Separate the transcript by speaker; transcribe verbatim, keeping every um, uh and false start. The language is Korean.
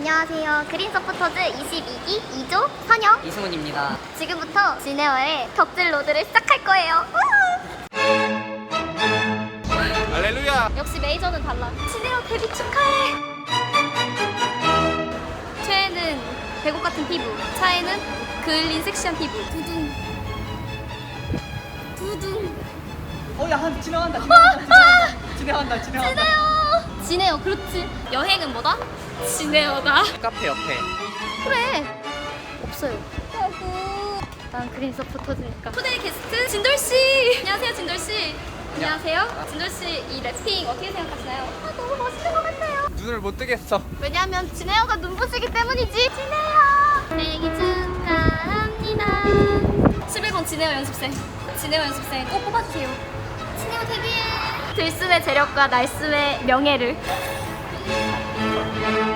Speaker 1: 안녕하세요. 그린 서포터즈 이십이 기 이 조 선영
Speaker 2: 이승훈입니다.
Speaker 1: 지금부터 진에어의 덕질 로드를 시작할 거예요.
Speaker 3: 할렐루야.
Speaker 1: 역시 메이저는 달라. 진에어 데뷔 축하해. 최애는 배곡 같은 피부, 차에는 그을린 섹시한 피부. 두둥 두둥.
Speaker 2: 어야 한 지나간다 지나간다 지나간다 지나간다.
Speaker 1: 진에어 진에어 그렇지. 여행은 뭐다? 진에어다.
Speaker 3: 카페 옆에.
Speaker 1: 그래. 없어요. 아이고. 난 그린 서포터즈니까. 초대 게스트 진돌 씨. 안녕하세요, 진돌 씨. 안녕하세요. 진돌 씨 이 랩핑 어떻게 생각하시나요? 아, 너무 멋있는 것 같아요.
Speaker 3: 눈을 못 뜨겠어.
Speaker 1: 왜냐면 진에어가 눈부시기 때문이지. 진에어 생일 축하합니다. 십일 번 진에어 연습생. 진에어 연습생 꼭 뽑아주세요. 진에어 데뷔해. 들숨의 재력과 날숨의 명예를.